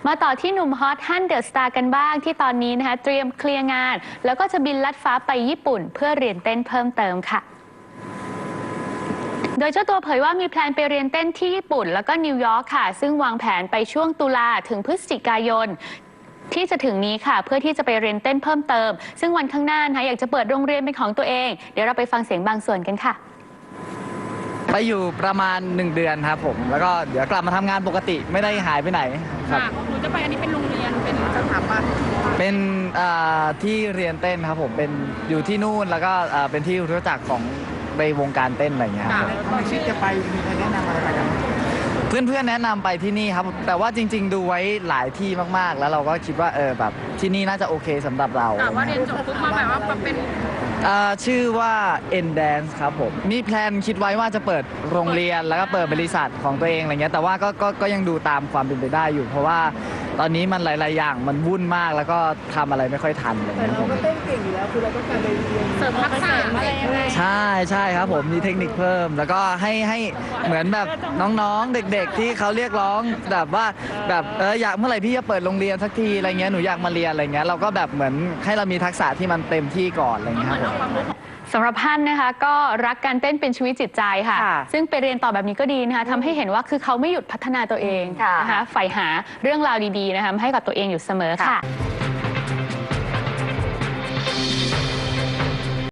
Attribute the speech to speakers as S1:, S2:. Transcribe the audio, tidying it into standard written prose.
S1: มาต่อที่หนุ่มฮอตฮั่นเดอะสตาร์กันบ้างที่ตอนนี้นะคะเตรียมเคลียร์งานแล้วก็จะบินลัดฟ้าไปญี่ปุ่นเพื่อเรียนเต้นเพิ่มเติมค่ะโดยเจ้าตัวเผยว่ามีแพลนไปเรียนเต้นที่ญี่ปุ่นแล้วก็นิวยอร์กค่ะซึ่งวางแผนไปช่วงตุลาถึงพฤศจิกายนที่จะถึงนี้ค่ะเพื่อที่จะไปเรียนเต้นเพิ่มเติมซึ่งวันข้างหน้านะคะอยากจะเปิดโรงเรียนเป็นของตัวเองเดี๋ยวเราไปฟังเสียงบางส่วนกันค่ะ
S2: ไปอยู่ประมาณ1 เดือนครับผมแล้วก็เดี๋ยวกลับมาทำงานปกติไม่ได้หายไปไหนครับ
S3: หนูจะไปอันนี้เป็นโรงเรียนเป็นสถาบัน
S2: เป็นที่เรียนเต้นครับผมเป็นอยู่ที่นู่นแล้วก็เป็นที่รู้จักของในวงการเต้นอะไรอย่างเงี้ยครับ
S3: ตอนที่จะไปมีใครแนะนำอะไรไปกัน
S2: เพื่อนๆแนะนำไปที่นี่ครับแต่ว่าจริงๆดูไว้หลายที่มากๆแล้วเราก็คิดว่าแบบที่นี่น่าจะโอเคสำหรับเรา
S3: ว่าเรียนจบปุ๊บมาแบบว่าเป็น
S2: ชื่อว่า N Dance ครับผมมีแพลนคิดไว้ว่าจะเปิดโรงเรียนแล้วก็เปิดบริษัทของตัวเองอะไรเงี้ยแต่ว่าก็ยังดูตามความเป็นไปได้อยู่เพราะว่าตอนนี้มันหลายๆอย่างมันวุ่นมากแล้วก็ทำอะไรไม่ค่อยทันเลย
S3: แต่เราก็เต้นเก่งอยู่แล้วคือเราต้องการไปเรียนเสริมทักษะอะไรยังไง
S2: ใช่ครับผมมีเทคนิคเพิ่มแล้วก็ให้เหมือนแบบน้องๆเด็กๆที่เขาเรียกร้องแบบว่าแบบอยากเมื่อไหร่พี่จะเปิดโรงเรียนสักทีอะไรเงี้ยหนูอยากมาเรียนอะไรเงี้ยเราก็แบบเหมือนให้เรามีทักษะที่มันเต็มที่ก่อนอะไรเงี้ยครับ
S1: สำหรับฮั่นนะคะก็รักการเต้นเป็นชีวิตจิตใจค่ะซึ่งไปเรียนต่อแบบนี้ก็ดีนะคะทำให้เห็นว่าคือเขาไม่หยุดพัฒนาตัวเองนะคะใฝ่หาเรื่องราวดีๆนะคะให้กับตัวเองอยู่เสมอค่ะ